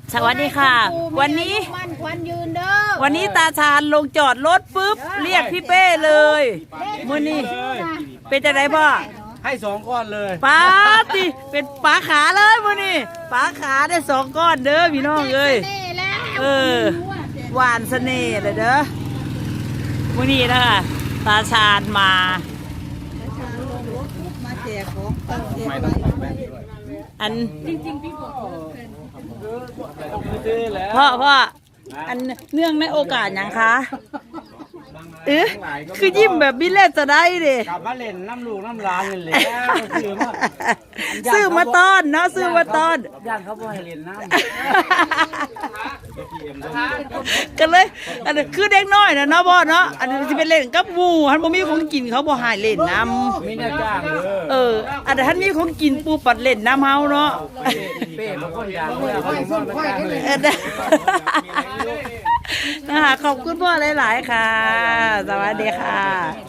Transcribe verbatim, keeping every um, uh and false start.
สวัสดีค่ะวันนี้วันนี้ตาชาญลงจอดรถปุ๊บเรียกพี่เป้เลยมื้อนี้เป็นจะไดพ่อให้สองก้อนเลยป้าติเป็นปลาขาเลยมื้อนี้ปลาขาได้สองก้อนเด้อพี่น้องเอ้ยเออหวานเสน่ห์เลยเด้อมื้อนี้นะคะตาชาญมาอันพ่อพ่ออันเนื่องในโอกาสยังคะเอ๊ะคือยิ้มแบบบิเล่จะได้ดิกลับมาเล่นน้ำลูกน้ำลานเลยซื้อมาซื้อมาต้อนเนาะซื้อมาต้อนย่างเขาบ่ให้เล่นน้ำกันเลยอันนี้คือเด็กน้อยนะเนาะพ่อเนาะอันนี้จะเป็นเล่นกับหมูท่านบ่มีของกินเขาบ่ให้เล่นน้ำมีหน้าจ้างเอออันนี้ท่านมีของกินปูปัดเล่นน้ำเฮาเนาะเป้บางคนอยากเลยเขาส่งมาจ้างเลยนะคะขอบคุณพ่อหลายๆค่ะสวัสดีค่ะ